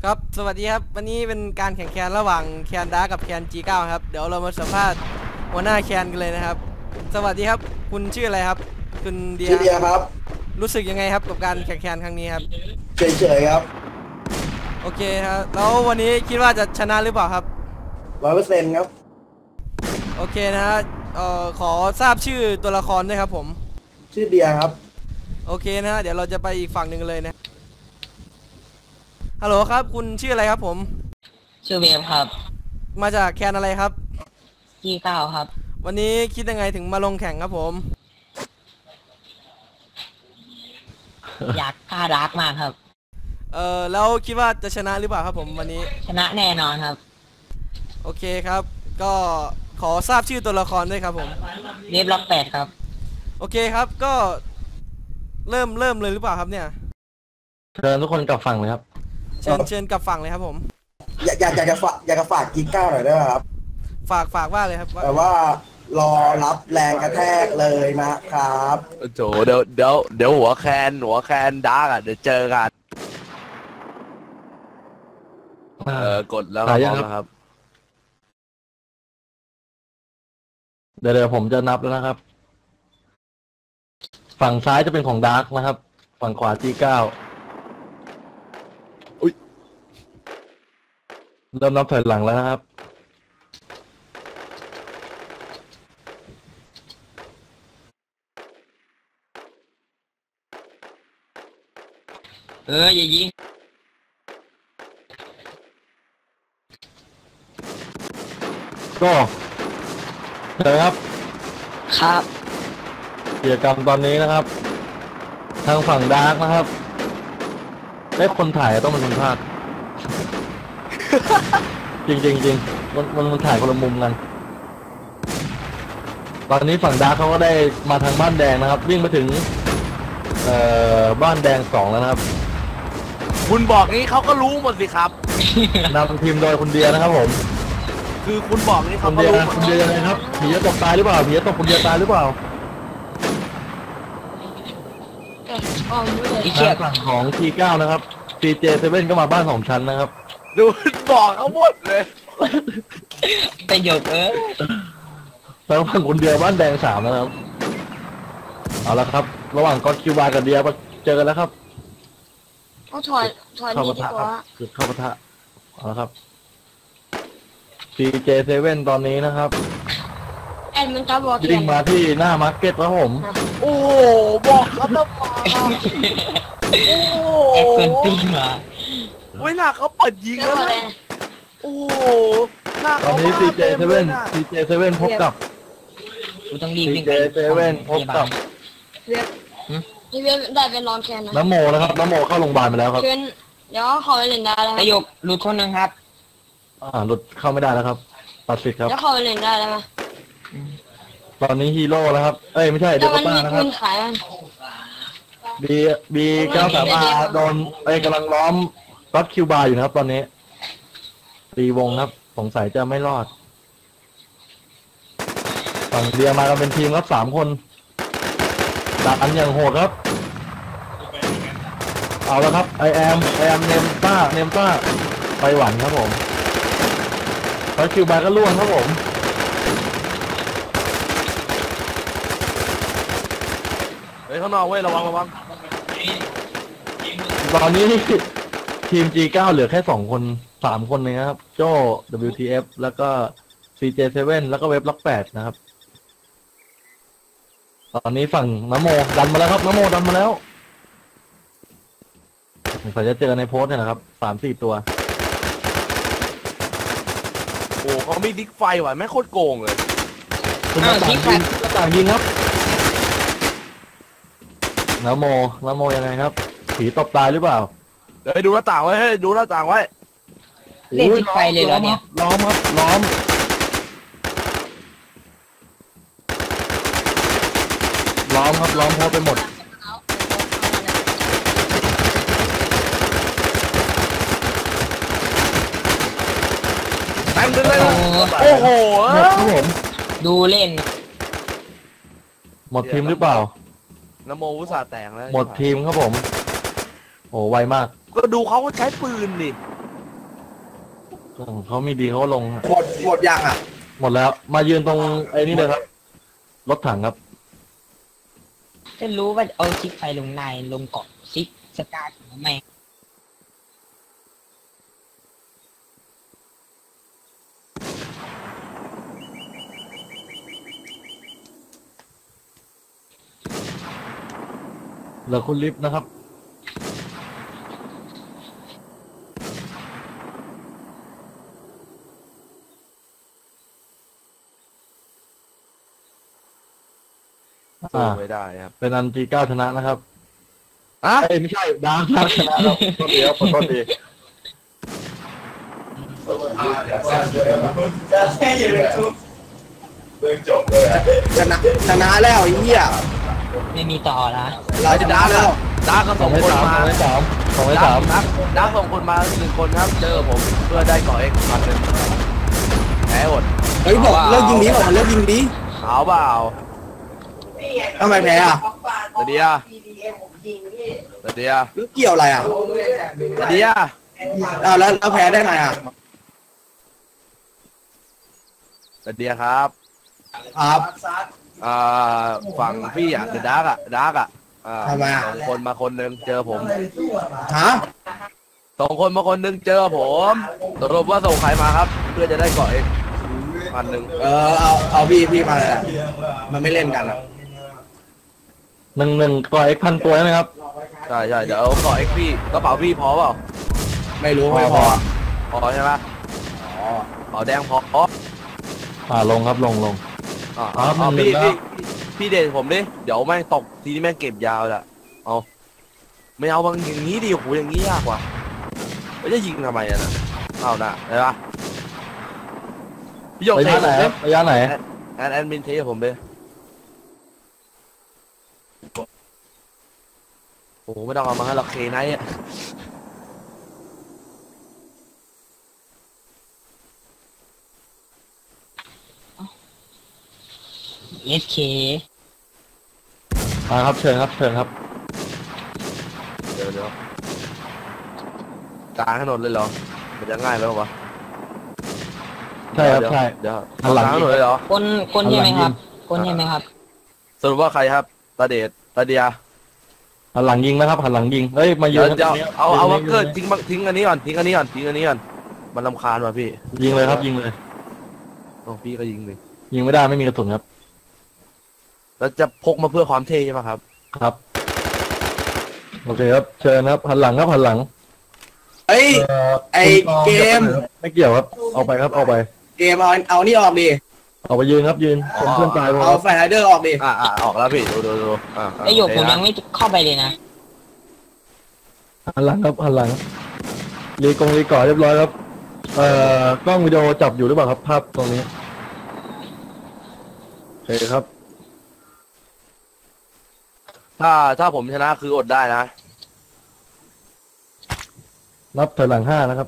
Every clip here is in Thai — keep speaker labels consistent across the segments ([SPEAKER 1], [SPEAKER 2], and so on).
[SPEAKER 1] ครับสวัสดีครับวันนี้เป็นการแข่งแคนระหว่างแคนดาร์กับแคน G9 ครับเดี๋ยวเรามาสัมภาษณ์หัวหน้าแคนกันเลยนะครับสวัสดีครับคุณชื่ออะไรครับคุณเดีย
[SPEAKER 2] ชื่อเดียครับ
[SPEAKER 1] รู้สึกยังไงครับกับการแข่งแคนครั้งนี้ครับ
[SPEAKER 2] เฉยๆครับ
[SPEAKER 1] โอเคครับแล้ววันนี้คิดว่าจะชนะหรือเปล่าครับ
[SPEAKER 2] 100%ครับ
[SPEAKER 1] โอเคนะฮะขอทราบชื่อตัวละครด้วยครับผม
[SPEAKER 2] ชื่อเดียครับ
[SPEAKER 1] โอเคนะฮะเดี๋ยวเราจะไปอีกฝั่งหนึ่งเลยนะฮัลโหลครับคุณชื่ออะไรครับผม
[SPEAKER 3] ชื่อเวฟครับ
[SPEAKER 1] มาจากแคนอะไรครับ
[SPEAKER 3] G9ครับ
[SPEAKER 1] วันนี้คิดยังไงถึงมาลงแข่งครับผม
[SPEAKER 3] อยากฆ่าดาร์กมากครับ
[SPEAKER 1] แล้วคิดว่าจะชนะหรือเปล่าครับผมวันนี้
[SPEAKER 3] ชนะแน่นอนครับ
[SPEAKER 1] โอเคครับก็ขอทราบชื่อตัวละครด้วยครับผม
[SPEAKER 3] เวฟล็อก8ครับ
[SPEAKER 1] โอเคครับก็เริ่มเลยหรือเปล่าครับเนี่ย
[SPEAKER 4] เชิญทุกคนกลับฝั่งเลยครับ
[SPEAKER 1] เชิญกลับฝั่งเลยครับผม
[SPEAKER 2] อยากจะฝากกิ๊กก้าวหน่อยได้ไหมครับ
[SPEAKER 1] ฝากว่าเลยครับ
[SPEAKER 2] แต่ว่ารอรับแรงกระแทกเลยนะครับ
[SPEAKER 5] โจเดี๋ยวหัวแคนดาร์กอ่ะเดี๋ยวเจอกันกดแล้วครับ
[SPEAKER 4] เดี๋ยวผมจะนับแล้วนะครับฝั่งซ้ายจะเป็นของดาร์กนะครับฝั่งขวา G9
[SPEAKER 5] อุ๊ย
[SPEAKER 4] เริ่มนับถอยหลังแล้วนะครับ
[SPEAKER 3] อย่ายิง
[SPEAKER 4] ก็เจอครับ
[SPEAKER 3] ครับ
[SPEAKER 4] กิจกรรมตอนนี้นะครับทางฝั่งดาร์กนะครับได้คนถ่ายต้องเป็นคนพากย์ จริงมันถ่ายคนละมุมกันตอนนี้ฝั่งดาร์กเขาก็ได้มาทางบ้านแดงนะครับวิ่งมาถึงบ้านแดง2แล้วนะครับ
[SPEAKER 5] คุณบอกนี้เขาก็รู้หมดสิครับ
[SPEAKER 4] นำทีมโดยคุณเดียนะครับผม
[SPEAKER 5] คือคุณบอกนี้เขา
[SPEAKER 4] คุณ
[SPEAKER 5] ก็รู้หมด
[SPEAKER 4] เดียยังไงครับผีจะตกตายหรือเปล่าผีจะตกคุณเดียตายหรือเปล่าทางฝั่งของ T9 นะครับ CJ7 ก็มาบ้าน2ชั้นนะครับ
[SPEAKER 5] ดูบอกเขาหมดเลย
[SPEAKER 3] ประโยค
[SPEAKER 4] แล้วฝั่งคุณเดียบ้านแดง3นะครับเอาละครับระหว่างก็คิวบากับเดียเจอกันแล้วครับ
[SPEAKER 6] เอาถอย
[SPEAKER 4] เข้า
[SPEAKER 6] ดี
[SPEAKER 4] ปะ
[SPEAKER 6] ดี
[SPEAKER 4] ทะ
[SPEAKER 6] ก
[SPEAKER 4] ครั
[SPEAKER 6] ว่า
[SPEAKER 4] บจุดเข้าปะทะเอาละครับ CJ7 ตอนนี้นะครับ
[SPEAKER 6] แอดมันจะบอก
[SPEAKER 4] วิ่งมาที่หน้ามาร์เก็ตครับผม
[SPEAKER 5] โอ้โหบอกเขาต้องมาโอ้โห
[SPEAKER 3] แอดเกินปีมา
[SPEAKER 5] เวลาเขาเปิดยิง
[SPEAKER 6] แล้
[SPEAKER 5] แล้ว ว
[SPEAKER 6] อะไร
[SPEAKER 5] นะโอ้โหหน้า
[SPEAKER 4] ตอนนี้
[SPEAKER 5] เขามาเต็มเลยนะ
[SPEAKER 4] CJ7 พบกับ
[SPEAKER 3] กูต้องรีบวิ่งไป
[SPEAKER 4] CJ7 พบกับ
[SPEAKER 6] เว็บนี่เว็บได้เป็นรองแคนนะ
[SPEAKER 4] น้ำโมนะครับน้ำโมเข้าโรงพยาบาลไปแล้วครับ
[SPEAKER 6] เชิญเดี๋ยวขอไปเล่นได้แล้ว
[SPEAKER 3] ประโยคหลุดคนหนึ่งครับ
[SPEAKER 4] หลุดเข้าไม่ได้แล้วครับตัดสิทธิ์ครับ
[SPEAKER 6] เดี๋ยวขอไปเล่นได้แล้วมั้ย
[SPEAKER 4] ตอนนี้ฮีโร่แล้วครับเอ้ยไม่ใช่เด
[SPEAKER 6] แต่
[SPEAKER 4] ล
[SPEAKER 6] มัน
[SPEAKER 4] ต้า
[SPEAKER 6] มี
[SPEAKER 4] นะค
[SPEAKER 6] ปื
[SPEAKER 4] รับ
[SPEAKER 6] นขายมัน
[SPEAKER 4] B93R โดนกำลังล้อมรถคิวบาร์อยู่นะครับตอนนี้ตีวงครับสงสัยจะไม่รอดฝั่งเดียมากันเป็นทีมครับ3 คนดักอันอย่างโหดครับเอาแล้วครับไอแอมเนมต้าไปหวันครับผมรถคิวบาร์ก็ล่วงครับผม
[SPEAKER 5] เฮ้ยข้างนอกเว้ยระวัง
[SPEAKER 4] ตอนนี้ทีม G9 เหลือแค่2 คน3 คนเลยนะครับโจ้ WTF แล้วก็ CJ7 แล้วก็เว็บล็อก8นะครับตอนนี้ฝั่งน้ำโมดันมาแล้วครับน้ำโมดันมาแล้วผมจะเจอในโพสต์เนี่ยนะครับ3-4 ตัว
[SPEAKER 5] โอ้เขามีดิกไฟว่ะแม่งโคตรโกงเลย
[SPEAKER 4] คุณหน้าต่างยิงครับน้ำโมยังไงครับผีตบตายหรือเปล่า
[SPEAKER 5] เฮ้ยดูหน้าต่างไว้เฮ้ยดูหน้าต่างไว้
[SPEAKER 3] เล่นที่ไฟเลยเหรอเนี่ย
[SPEAKER 4] ล้อมครับล้อมโพสต์ไปหมด
[SPEAKER 5] แม่งดึงเลยนะโอ้โห
[SPEAKER 4] หมดครับผม
[SPEAKER 3] ดูเล่น
[SPEAKER 4] หมดทีมหรือเปล่า
[SPEAKER 5] น้ำโมอุตส่าห์แตกแล้ว
[SPEAKER 4] หมดทีมครับผมโอ้ไวมาก
[SPEAKER 5] ก็ดูเขาใช้ปืนดิ
[SPEAKER 4] ของเขามีดีเขาก็ลงฮะ
[SPEAKER 2] หมดยังอ่ะ
[SPEAKER 4] หมดแล้วมายืนตรงไอ้นี่เลยครับรถถังครับ
[SPEAKER 3] จะรู้ว่าเอาซิกไฟลงในลงเกาะซิกสตาร์ททำไม
[SPEAKER 4] เหลือคุณลิฟต์นะครับ
[SPEAKER 5] สู้ไม่ได้ครับ
[SPEAKER 4] เป็นอันG9ชนะนะครับ
[SPEAKER 5] อ่ะ
[SPEAKER 4] เอ้ยไม่ใช่ดาวชนะแล้วขอโทษทีครับขอโทษที
[SPEAKER 2] ชนะชนะแล้วไอ้เหี้ย
[SPEAKER 3] ไม่มีต่อละ
[SPEAKER 2] เราชนะแล้ว
[SPEAKER 5] ดาร์กก็
[SPEAKER 4] ส
[SPEAKER 5] ส่
[SPEAKER 4] อง
[SPEAKER 5] ง
[SPEAKER 4] ให้
[SPEAKER 5] คน
[SPEAKER 4] สาม
[SPEAKER 5] มา
[SPEAKER 4] สองให้สามสองให้สาม
[SPEAKER 5] ดาร์กส่งคนมา1 คนครับ เจอผมเพื่อได้ก่อเอ็กซ์พันหนึ่งแพ้หมด
[SPEAKER 2] เฮ้ยบอกเลิกยิงนี้บอกเลิกยิงนี้
[SPEAKER 5] เอาเปล่า
[SPEAKER 2] ทำไมแพ้อ่ะ
[SPEAKER 5] เดียเดีย
[SPEAKER 2] แล้วเกี่ยวอะไรอ่ะ
[SPEAKER 5] เดีย
[SPEAKER 2] อ้าวแล้วแพ้ได้ไงอ่ะ
[SPEAKER 5] เดียครับ
[SPEAKER 2] ครับ
[SPEAKER 5] ฝั่งพี่อ่ะเดอะดาร์กอ่ะ
[SPEAKER 2] ทำไมอ่ะ
[SPEAKER 5] ส่งคนมาคนหนึ่งเจอผม
[SPEAKER 2] ฮะ
[SPEAKER 5] ส่งคนมาคนหนึ่งเจอผมสรุปว่าส่งใครมาครับ เพื่อจะได้ก่อเอ็กซ์พันหนึ่ง
[SPEAKER 2] เอาพี่มาเลยอะมันไม่เล่นกันอ่ะ
[SPEAKER 4] หนึ่งก่อเอ็กพันตัวใช่ไหมครับ
[SPEAKER 5] ใช่เดี๋ยวก่อเอ็กซ์พี่กระเป๋าพี่พอเปล่า
[SPEAKER 2] ไม่รู้ไม่พอ
[SPEAKER 5] พอใช่ไหมเป๋าแดงพอ
[SPEAKER 4] ลงครับลง ครับ
[SPEAKER 5] เอา
[SPEAKER 4] มัน
[SPEAKER 5] พี่
[SPEAKER 4] แล้ว
[SPEAKER 5] พี่เดชผมดิเดี๋ยวแม่งตกทีนี้แม่งเก็บยาวละเอาไม่เอาบางอย่างนี้ดิโหอย่างนี้ยากกว่าไม่จะยิงทำไมอะนะเอานะเห็นปะพี่หยก
[SPEAKER 4] ระ
[SPEAKER 5] เท
[SPEAKER 4] ยะไหน
[SPEAKER 5] ผม
[SPEAKER 4] ค
[SPEAKER 5] ดิ
[SPEAKER 4] รับระยะไหน
[SPEAKER 5] แอดมินเทผมดิโอ้โหไม่ต้องเอามาให้เราเคไนท์อะ
[SPEAKER 3] เอสเค
[SPEAKER 4] ครับเชิญครับ
[SPEAKER 5] เดี๋ยวกลางถนนเลยเหรอมันจะง่ายไหมวะ
[SPEAKER 4] ใช่ครับใช่
[SPEAKER 5] เดี๋ยว
[SPEAKER 4] หันหลัง
[SPEAKER 5] กลางถนนเลยเหรอ
[SPEAKER 3] คนใช่ไหมครับคนใช่ไหมครับ
[SPEAKER 5] สรุปว่าใครครับตาเดชตาเดีย
[SPEAKER 4] หันหลังยิงนะครับหันหลังยิงเฮ้ยมายื
[SPEAKER 5] เดี๋ย
[SPEAKER 4] น
[SPEAKER 5] วเอาวักเกอร์ทิ้งอันนี้ก่อนทิ้งอันนี้ก่อนมันรำคาญว่ะพี่
[SPEAKER 4] ยิงเลยครับยิงเลย
[SPEAKER 5] โอ้พี่ก็ยิงเลย
[SPEAKER 4] ยิงไม่ได้ไม่มีกระสุนครับ
[SPEAKER 5] แล้วจะพกมาเพื่อความเท่ใช่ไหมครับ
[SPEAKER 4] ครับโอเคครับเชิญครับหันหลังครับหันหลัง
[SPEAKER 2] เฮ้ย ไอ้เกม
[SPEAKER 4] ไม่เกี่ยวครับเอาไปครับเอาไป
[SPEAKER 2] เกมเอานี่ออกดิ
[SPEAKER 4] เอาไปยืนครับยืนเป็นเพื่อนตายผม
[SPEAKER 2] เอาแฟนไรเดอร์ออกดิ
[SPEAKER 5] ออกแล้วพี่ดู
[SPEAKER 3] ไอหยกผมยังไม่เข้าไปเลยนะ
[SPEAKER 4] หันหลังครับหันหลังรีก่อนเรียบร้อยครับกล้องวิดีโอจับอยู่หรือเปล่าครับภาพตรงนี้โอเคครับ
[SPEAKER 5] ถ้าผมชนะคืออดได้นะ
[SPEAKER 4] นับถอยหลัง5นะครับ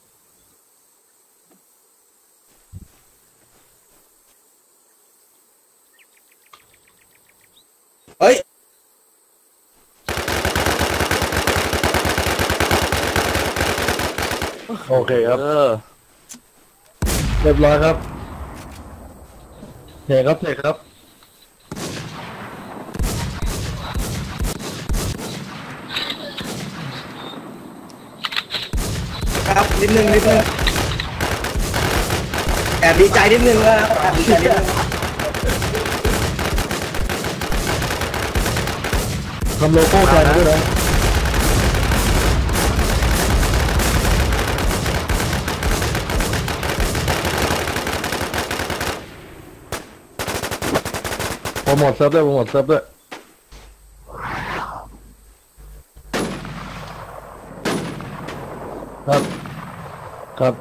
[SPEAKER 2] เฮ้ย
[SPEAKER 4] โอเคครับ เรียบร้อยครับเทครับ
[SPEAKER 2] ครับนิดนึงแอบดีใจนิดนึงแล้วแอบดีใจนิดนึง
[SPEAKER 4] ทำโลโก้แทนด้วยนะโปรโมทเซิร์ฟด้วยครับ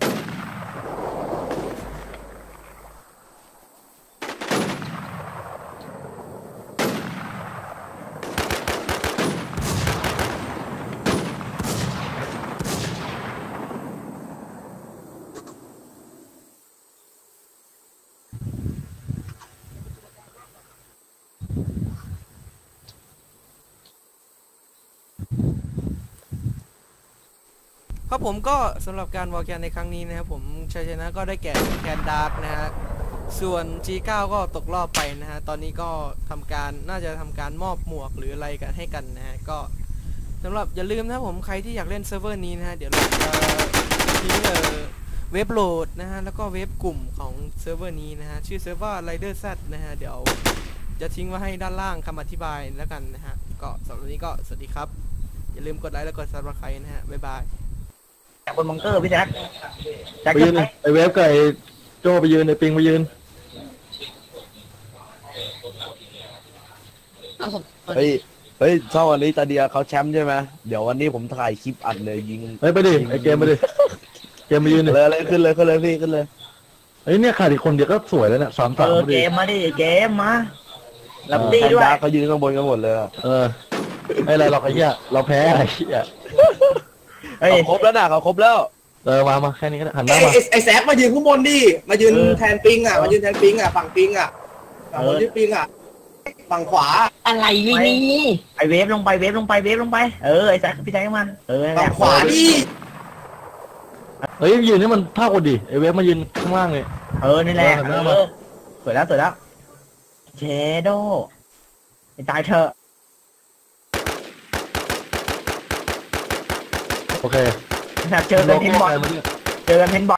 [SPEAKER 1] ครับผมก็สำหรับการวอลแคนในครั้งนี้นะครับผมชัยชนะก็ได้แก่แคนดาร์กนะฮะส่วน G9 ก็ตกรอบไปนะฮะตอนนี้ก็น่าจะทำการมอบหมวกหรืออะไรกันให้กันนะฮะก็สำหรับอย่าลืมนะผมใครที่อยากเล่นเซิร์ฟเวอร์นี้นะฮะเดี๋ยวเราจะทิ้งเว็บโหลดนะฮะแล้วก็เว็บกลุ่มของเซิร์ฟเวอร์นี้นะฮะชื่อเซิร์ฟเวอร์ Rider Z นะฮะเดี๋ยวจะทิ้งไว้ให้ด้านล่างคำอธิบายแล้วกันนะฮะก็สำหรับวันนี้ก็สวัสดีครับอย่าลืมกดไลค์และกด Subscribe นะฮะบ๊ายบาย
[SPEAKER 3] จากบนบังเกอร์พี่แจ็คแจ็ค
[SPEAKER 4] ไปยืนไอเวฟกับไอโจไปยืนไอปิงไปยืน
[SPEAKER 5] เฮ้ยเท่าวันนี้ตาเดียเขาแชมป์ใช่ไหมเดี๋ยววันนี้ผมถ่ายคลิปอัดเลยยิง
[SPEAKER 4] เฮ้ยไปดิไอเกมไปดิเกมไปยืนดิ
[SPEAKER 5] เลยขึ้นเลยพี่ขึ้นเลย
[SPEAKER 4] เฮ้ยเนี่ยขาดอีกคนเดียวก็สวยแล้วเนี่ย3-3พอ
[SPEAKER 3] เก
[SPEAKER 4] ดี
[SPEAKER 3] มมาดิเกมมารับดีด้วย
[SPEAKER 5] แพนด้าเขายืนข้างบนกันหมดเลยอะ
[SPEAKER 4] ไม่อะไรหรอกไอ้เหี้ยเราแพ้ไอ้เหี้ย
[SPEAKER 3] เฮ้ย
[SPEAKER 5] เขาครบแล้วนะเขาครบแล้ว
[SPEAKER 4] มาแค่นี้ก็ได้หันหน้ามา
[SPEAKER 2] ไอ้แซฟมายืนข้างบนดิมายืนแทนปิงอ่ะมายืนแทนปิงอ่ะฝั่งปิงอ่ะฝั่งคนที่ปิงอ่ะฝั่งขวา
[SPEAKER 3] อะไรวินี่ไอเวฟลงไปไอแจ็คพี่แจ็คมัน
[SPEAKER 2] ฝั่งขวาดิ
[SPEAKER 4] เฮ้ยยืนนี่มันเท่ากันดิไอเวฟมายืนข้างล่างเลย
[SPEAKER 3] นี่แหละสวยแล้วเชโดไปตายเถอะ
[SPEAKER 4] โอเค
[SPEAKER 3] แบบเจอกันเพนบอล